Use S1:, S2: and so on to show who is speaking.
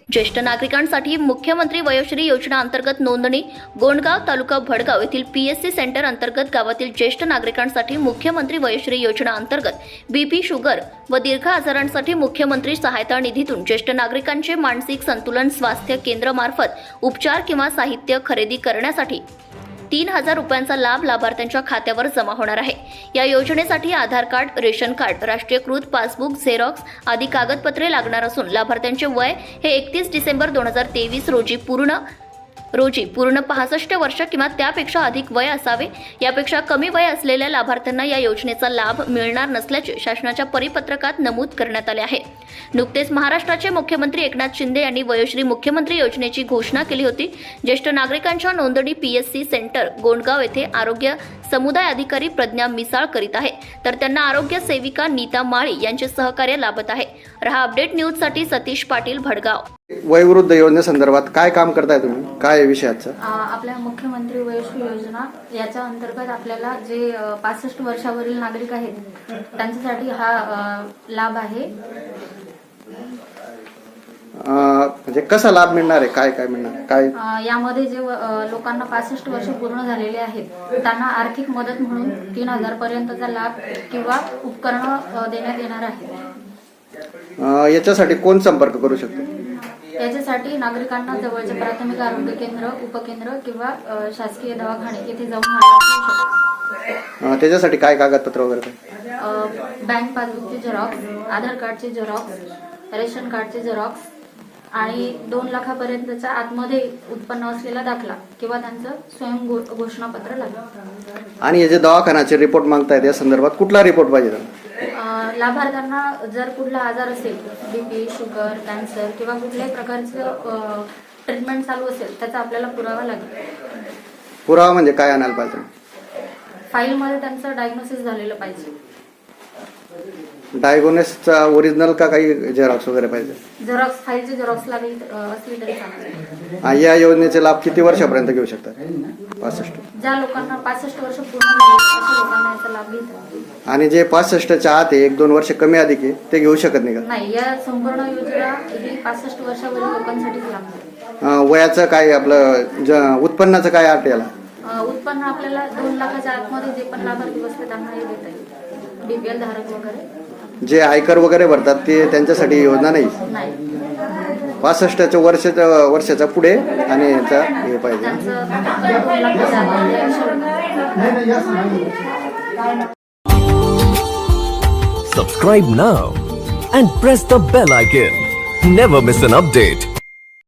S1: ज्येष्ठ नागरिकांसाठी मुख्यमंत्री वयोश्री योजना अंतर्गत नोंदणी गोंडगाव तालुका भडगाव येथील पीएससी सेंटर अंतर्गत गावातील ज्येष्ठ नागरिकांसाठी मुख्यमंत्री वयोश्री योजना अंतर्गत बीपी शुगर व दीर्घ आजारांसाठी मुख्यमंत्री सहायता निधीतून ज्येष्ठ नागरिकांचे मानसिक संतुलन स्वास्थ्य केंद्र मार्फत उपचार किंवा साहित्य खरेदी करण्यासाठी 3,000 रुपयांचा लाभ लाभार्थ्यांच्या खात्यावर जमा होणार आहे। या योजनेसाठी आधार कार्ड, रेशन कार्ड, राष्ट्रीयकृत पासबुक, झेरॉक्स आदी कागदपत्रे लागणार असून लाभार्थ्यांचे वय हे 31 डिसेंबर 2023 रोजी पूर्ण 65 वर्ष किंवा त्यापेक्षा अधिक वय असावे। यापेक्षा कमी वय असलेल्या लाभार्थ्यांना या योजनेचा लाभ मिळणार नसल्याचे शासनाच्या परिपत्रकात नमूद करण्यात आले आहे। नुकतेच महाराष्ट्राचे मुख्यमंत्री एकनाथ शिंदे यांनी वयोश्री मुख्यमंत्री योजनेची घोषणा केली होती। ज्येष्ठ नागरिकांच्या नोंदणी पीएससी सेंटर गोंडगाव येथे आरोग्य समुदाय अधिकारी प्रज्ञा मिसाळ करीत आहे, तर त्यांना आरोग्य सेविका नीता माळी यांचे सहकार्य लाभत आहे। रहा अपडेट न्यूज साठी सतीश पाटील, भडगाव।
S2: वयोवृद्ध योजनेसंदर्भात काय काम करताय तुम्ही, काय आहे विषयाचं?
S3: आपल्या मुख्यमंत्री वयोश्री योजना याच्या अंतर्गत आपल्याला जे 65 वर्षावरील नागरिक आहेत त्यांच्यासाठी हा लाभ आहे।
S2: म्हणजे कसा लाभ मिळणार आहे, काय काय मिळणार काय?
S3: यामध्ये जे लोकांना 65 वर्ष पूर्ण झालेले आहेत त्यांना आर्थिक मदत म्हणून 3,000 पर्यंतचा लाभ किंवा उपकरण देण्यात येणार आहे।
S2: याच्यासाठी कोण संपर्क करू शकतो?
S3: याच्यासाठी नागरिकांना जवळचे प्राथमिक आरोग्य केंद्र, उपकेंद्र किंवा शासकीय दवाखाने येथे जाऊन
S2: त्याच्यासाठी काय कागदपत्र वगैरे?
S3: बँक पासबुकचे झेरॉक्स, आधार कार्डचे झेरॉक्स, रेशन कार्डचे झेरॉक्स आणि 2 लाखापर्यंतच्या आतमध्ये उत्पन्न असलेला दाखला किंवा त्यांचं स्वयं घोषणापत्र लागेल।
S2: आणि हे जे दवाखान्याचे रिपोर्ट मागतायत या संदर्भात कुठला रिपोर्ट पाहिजे?
S3: लाभार्थ्यांना जर कुठला आजार असेल, बीपी, शुगर, कॅन्सर किंवा कुठल्याही प्रकारचं ट्रीटमेंट चालू असेल त्याचा आपल्याला पुरावा लागेल।
S2: पुरावा म्हणजे काय आणायला पाहिजे?
S3: फाईलमध्ये त्यांचं डायग्नोसिस झालेलं पाहिजे।
S2: डायग्नोसिसचा ओरिजिनल का काही झेरॉक्स वगैरे पाहिजे?
S3: झेरॉक्स, फाईलचे झेरॉक्स लागेल असली तरी चालेल।
S2: या योजनेचे लाभ किती वर्षापर्यंत घेऊ शकतात? 65.
S3: ज्या लोकांना 65 वर्ष पूर्ण झाली अशा लोकांना याचा लाभ घेतात।
S2: आणि जे 65च्या आत आहे, 1-2 वर्ष कमी अधिक आहे, ते घेऊ शकत नाही का?
S3: नाही, या संपूर्ण योजना ही 65 वर्षावरील लोकांसाठीच लागते।
S2: वयाचं काय, आपलं उत्पन्नाचं काय अट याला?
S3: उत्पन्न आपल्याला 2 लाखाच्या आतमध्ये जे पण लाभार्थी बसले त्यांना हे देता येईल। बीपीएल धारक वगैरे
S2: जे आयकर वगैरे भरतात ते त्यांच्यासाठी योजना नाही। 65च्या वर्षाच्या पुढे आणि याचा हे पाहिजे।
S4: Subscribe now and press the bell icon. Never miss an update.